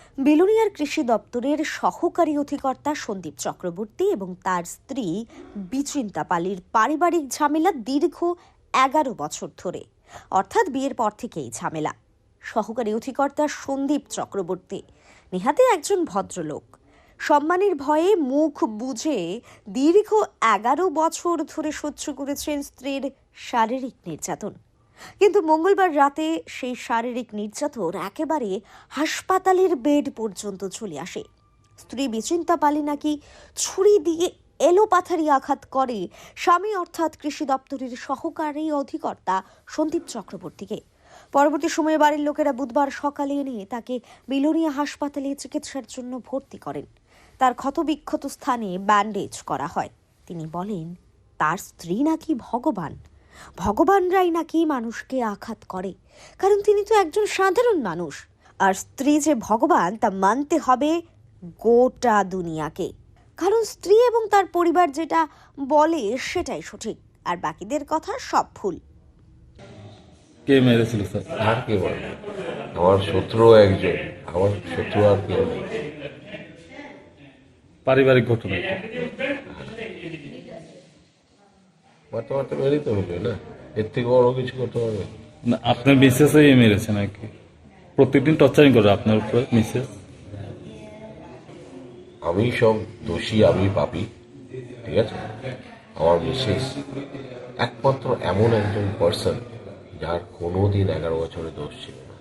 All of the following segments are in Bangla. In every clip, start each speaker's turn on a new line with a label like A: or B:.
A: বিলোনিয়ার কৃষি দপ্তরের সহকারী অধিকর্তা সন্দীপ চক্রবর্তী এবং তার স্ত্রী বিচিন্তা পালির পারিবারিক ঝামেলা দীর্ঘ 11 বছর ধরে, অর্থাৎ বিয়ের পর থেকেই ঝামেলা। সহকারী অধিকর্তা সন্দীপ চক্রবর্তী নেহাতি একজন ভদ্রলোক, সম্মানের ভয়ে মুখ বুজে দীর্ঘ 11 বছর ধরে সহ্য করেছেন স্ত্রীর শারীরিক নির্যাতন। কিন্তু মঙ্গলবার রাতে সেই শারীরিক নির্যাতন একেবারে হাসপাতালের বেড পর্যন্ত চলে আসে। স্ত্রী বিচিন্তা পালি নাকি ছুরি দিয়ে এলোপাথারি আঘাত করে স্বামী অর্থাৎ কৃষি দপ্তরের সহকারী অধিকর্তা সন্দীপ চক্রবর্তীকে। পরবর্তী সময়ে বাড়ির লোকেরা বুধবার সকালে এনে তাকে বিলোনিয়া হাসপাতালে চিকিৎসার জন্য ভর্তি করেন। তার ক্ষতবিক্ষত স্থানে ব্যান্ডেজ করা হয়। তিনি বলেন, তার স্ত্রী নাকি ভগবানরাই নাকি মানুষকে আঘাত করে, কারণ তিনি তো একজন সাধারণ মানুষ। আর স্ত্রী যে ভগবান তা মানতে হবে গোটা দুনিয়াকে, কারণ স্ত্রী এবং তার পরিবার যেটা বলে সেটাই সঠিক, আর বাকিদের কথা সব ভুল।
B: কে মেরেছিল স্যার?
C: আর কে বলবে? আমার শত্রু একজন, আমার শত্রু আর কেউ নেই।
B: পারিবারিক ঘটনা।
C: মারতে মারতে মেরেই তো হবে না, এর থেকে বড় কিছু করতে পারবে
B: না, আপনার মিসেসই মেরেছে নাকি? প্রত্যেকদিন টর্চারিং করে আপনার উপরে মিসেস?
C: আমি সব দোষী, আমি পাপী, ঠিক আছে? আমার মিসেস একমাত্র এমন একজন পার্সন যার কোনোদিন 11 বছরে দোষ ছিল না।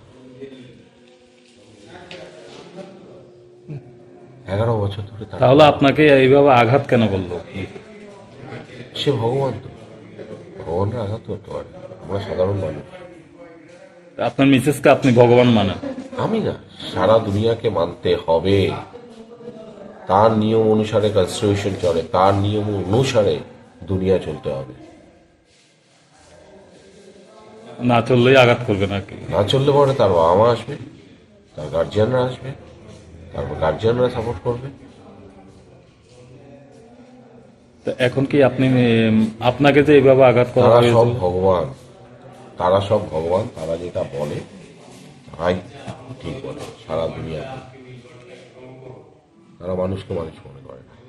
C: 11 বছর ধরে
B: তাহলে আপনাকে এইভাবে আঘাত কেন করলো?
C: সে ভগবান, তো ভগবানরা আঘাত করতে পারে, আমরা সাধারণ মানুষ।
B: আপনার মিসেসকে আপনি ভগবান মানেন?
C: আমি না, সারা দুনিয়াকে মানতে হবে। তার নিয়ম অনুসারে কনস্টিটিউশন চলে, তার নিয়ম অনুসারে দুনিয়া চলতে হবে।
B: না চললেই আঘাত করবে নাকি?
C: না চললে পরে তার বাবা মা আসবে, তার গার্জিয়ানরা আসবে, তারপর গার্জিয়ানরা সাপোর্ট করবে।
B: তো এখন কি আপনি আপনাকে যে এইভাবে আঘাত করা
C: তারা
B: হয়েছিল?
C: সব ভগবান, তারা সব ভগবান, তারা যেটা বলে তারাই ঠিক বলে সারা দুনিয়াতে। তারা মানুষকে মানুষ মনে করে না।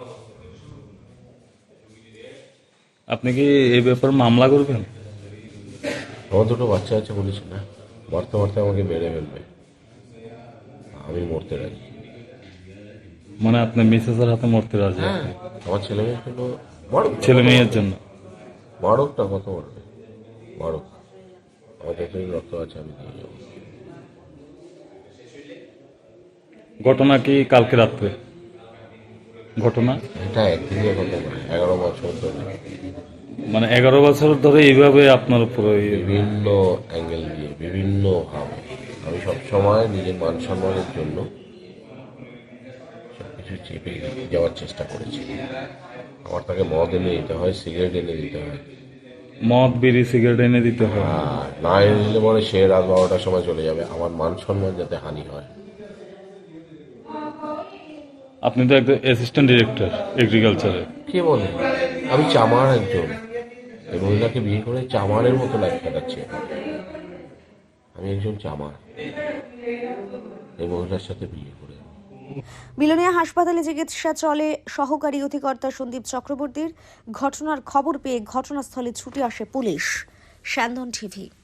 B: আপনি কি এই ব্যাপারে মামলা করবেন?
C: আমার দুটো বাচ্চা আছে, বলেছি না, মারতে মারতে আমাকে মেরে ফেলবে, আমি মরতে রাজি।
B: মানে আপনার মিসেসের হাতে মরতে রাজি?
C: হ্যাঁ, আমার ছেলে মেয়ের জন্য মারুক,
B: ছেলে মেয়ের জন্য
C: মারুক না, কত মারবে, মারুক। আমার যতদিন রক্ত আছে আমি দিয়ে যাবো।
B: ঘটনা কি কালকে রাত্রে ঘটনা?
C: এটা একদিনের কথা নয়, 11 বছর ধরে,
B: মানে 11 বছর ধরে এইভাবে আপনার উপরে
C: বিভিন্ন অ্যাঙ্গেল দিয়ে, বিভিন্ন ভাবে আমি সবসময় নিজের মান সম্মানের জন্য সবকিছু চেপে যাওয়ার চেষ্টা করেছি। আমার তাকে মদ এনে দিতে হয়, সিগারেট এনে দিতে হয়,
B: মদ বিড়ি সিগারেট এনে দিতে হয়।
C: আর না এনে দিলে পরে সে রাত 12টার সময় চলে যাবে, আমার মান সম্মান যাতে হানি হয়।
B: আপনি তো একজন অ্যাসিস্ট্যান্ট ডিরেক্টর এগ্রিকালচারে।
C: কে বলে? আমি চামার একজন, এই মহিলাকে বিয়ে করে চামারের মতো লাইফ কাটাচ্ছি। আমি একজন চামার, এই মহিলার সাথে বিয়ে করে।
A: বিলোনিয়া হাসপাতালে চিকিৎসা চলে সহকারী অধিকর্তা সন্দীপ চক্রবর্তীর। ঘটনার খবর পেয়ে ঘটনাস্থলে ছুটে আসে পুলিশ। স্যান্দন টিভি।